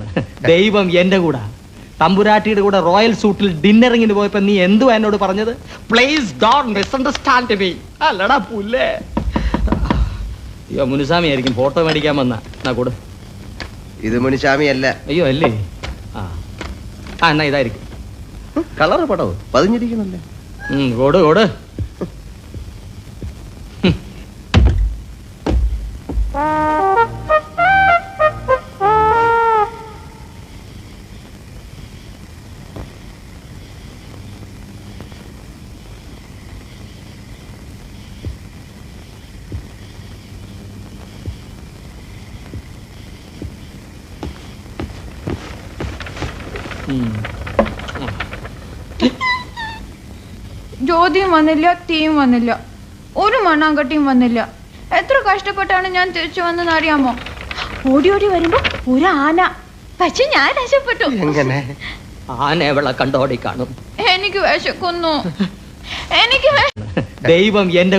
ദൈവം എന്റെ കൂടെ. തമ്പുരാട്ടിയുടെ കൂടെ റോയൽ സൂട്ടിൽ ഡിന്നറിങ്ങിന് പോയപ്പോ നീ എന്തുവാ എന്നോട് പറഞ്ഞത്? Please don't misunderstand me. അല്ലടാ പുല്ലേ. അയ്യോ മുനുസ്വാമി ആയിരിക്കും ഫോട്ടോ മേടിക്കാൻ വന്നാ കൂടെ. ഇത് മുനിസ്വാമി അല്ല. അയ്യോ അല്ലേ? ആ എന്നാ ഇതായിരിക്കും. കളർ പടവ് പതിഞ്ഞിരിക്കണല്ലേ. കോട് കോട്. ജ്യോതിയും വന്നില്ല, തീയും വന്നില്ല, ഒരു മണ്ണാങ്കട്ടിയും വന്നില്ല. എത്ര കഷ്ടപ്പെട്ടാണ് ഞാൻ തിരിച്ചു വന്നെന്ന് അറിയാമോ? ഓടി ഓടി വരുമ്പോ ഒരു ആന. പക്ഷെ ഞാൻ രക്ഷപ്പെട്ടു. ആന എവളെ കണ്ടോടി കാണും. എനിക്ക് വിശക്കുന്നു. എനിക്ക് ദൈവം എന്റെ